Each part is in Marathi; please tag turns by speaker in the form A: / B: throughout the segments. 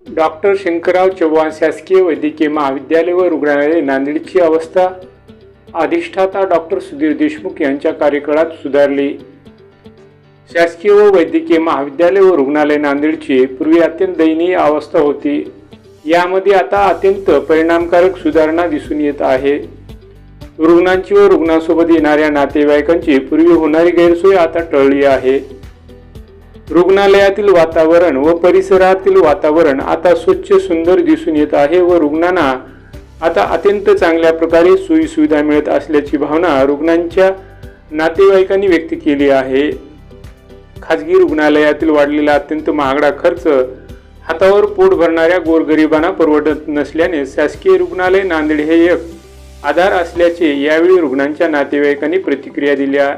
A: डॉक्टर शंकरराव चव्हाण शासकीय वैद्यकीय महाविद्यालय व रुग्णालय नांदेडची अवस्था अधिष्ठाता डॉक्टर सुधीर देशमुख यांच्या कार्यकाळात सुधारली। शासकीय व वैद्यकीय महाविद्यालय व रुग्णालय नांदेडची पूर्वी अत्यंत दयनीय अवस्था होती। यामध्ये आता अत्यंत परिणामकारक सुधारणा दिसून येत आहे। रुग्णांची व रुग्णांसोबत येणाऱ्या नातेवाईकांची पूर्वी होणारी गैरसोय आता टळली आहे। रुग्णालयातील वातावरण व परिसरातील वातावरण आता स्वच्छ सुंदर दिसून येत आहे व रुग्णांना आता अत्यंत चांगल्या प्रकारे सोयी सुविधा मिळत असल्याची भावना रुग्णांच्या नातेवाईकांनी व्यक्त केली आहे। खाजगी रुग्णालयातील वाढलेला अत्यंत महागडा खर्च हातावर पोट भरणाऱ्या गोरगरिबांना परवडत नसल्याने शासकीय रुग्णालय नांदेड हे एक आधार असल्याचे यावेळी रुग्णांच्या नातेवाईकांनी प्रतिक्रिया दिल्या।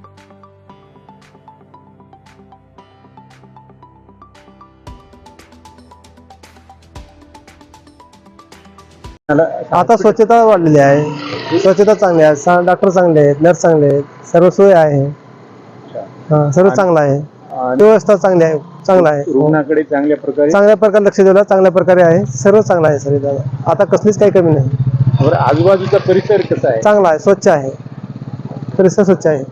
B: आता स्वच्छता वाढलेली आहे, स्वच्छता चांगली आहे, डॉक्टर चांगले आहेत, नर्स चांगले आहेत, सर्व सोय आहे, सर्व चांगलं आहे, व्यवस्था चांगली आहे, चांगला आहे,
A: रुग्णाकडे चांगल्या प्रकारे
B: लक्ष दिलं, चांगल्या प्रकारे आहे, सर्व चांगलं आहे सर। आता कसलीच काही कमी नाही।
A: आजूबाजूचा परिसर कसा आहे?
B: चांगला आहे, स्वच्छ आहे, परिसर स्वच्छ आहे।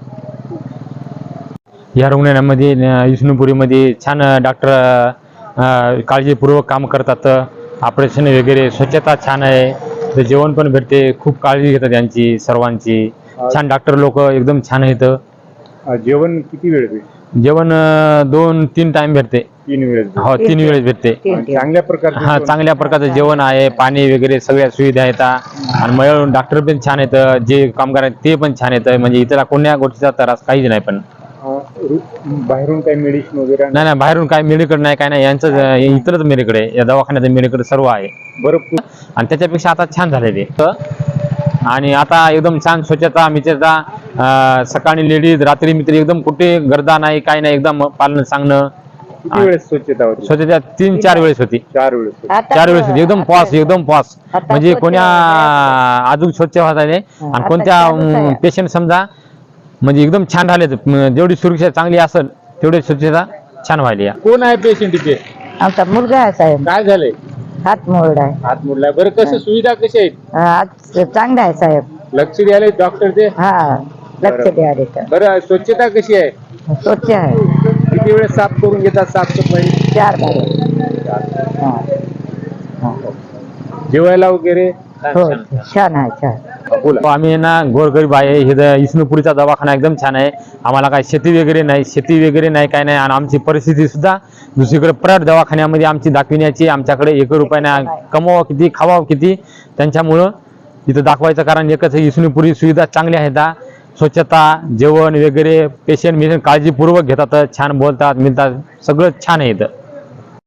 C: या रुग्णालयामध्ये विष्णुपुरीमध्ये छान डॉक्टर काळजीपूर्वक काम करतात। ऑपरेशन वगैरे स्वच्छता छान आहे, तर जेवण पण भेटते, खूप काळजी घेतात त्यांची सर्वांची। छान डॉक्टर लोक एकदम छान आहेत।
A: जेवण किती वेळ भेटते?
C: जेवण 2-3 टाइम भेटते।
A: 3 वेळेस?
C: हो, 3 वेळेस भेटते।
A: चांगल्या प्रकारचे?
C: हा, चांगल्या प्रकारचं जेवण आहे, पाणी वगैरे सगळ्या सुविधा आहेत आणि मग डॉक्टर पण छान आहेत, जे कामगार आहेत ते पण छान आहेत, म्हणजे इतर कोण्या गोष्टीचा त्रास काहीच नाही। पण
A: बाहेरून काही मेडिसिन वगैरे?
C: नाही, बाहेरून काय मेडिकल नाही, काय नाही, यांचं इतरच मेडिकल आहे, या दवाखान्याचं मेडिकल सर्व आहे।
A: बरोबर।
C: आणि त्याच्यापेक्षा आता छान झाले ते, आणि आता एकदम छान स्वच्छता मित्रता, सकाळी लेडीज रात्री मित्र, एकदम कुठे गर्दा नाही, काही नाही, एकदम पालन सांगणं।
A: किती वेळेस स्वच्छता होती?
C: स्वच्छता 3-4 वेळेस होती।
A: 4 वेळेस?
C: 4 वेळेस होती, एकदम पॉस, म्हणजे कोण्या अजून स्वच्छ होत आहे आणि कोणत्या पेशंट समजा म्हणजे एकदम छान झाले, जेवढी सुरक्षा चांगली असेल तेवढी स्वच्छता छान व्हायली।
A: कोण आहे पेशंट इथे?
D: आमचा मुलगा आहे साहेब।
A: काय झालंय?
D: हात मोडला आहे।
A: हात मोडला? बरं, कसं सुविधा कशा आहेत?
D: आज चांगला आहे साहेब।
A: लक्ष द्यायला डॉक्टर ते?
D: हा, लक्ष द्यायला तर।
A: बरं, स्वच्छता कशी आहे?
D: स्वच्छ आहे।
A: किती वेळेस साफ करून घेतात? साफसफाई
D: 4 बार।
A: जेवायला वगैरे?
D: हो, छान आहे, छान।
C: आम्ही ना गोरगरीब आहे, हे विष्णुपुरीचा दवाखाना एकदम छान आहे। आम्हाला काय शेती वगैरे नाही, काय नाही, आणि आमची परिस्थिती सुद्धा दुसरीकडे प्रायव्हेट दवाखान्यामध्ये आमची दाखविण्याची, आमच्याकडे 1 रुपया नाही, कमवावं किती खावावं किती, त्यांच्यामुळं इथं दाखवायचं कारण एकच, विष्णुपुरी सुविधा चांगल्या आहेत, स्वच्छता, जेवण वगैरे, पेशंट काळजीपूर्वक घेतात, छान बोलतात, मिळतात, सगळं छान आहे इथं।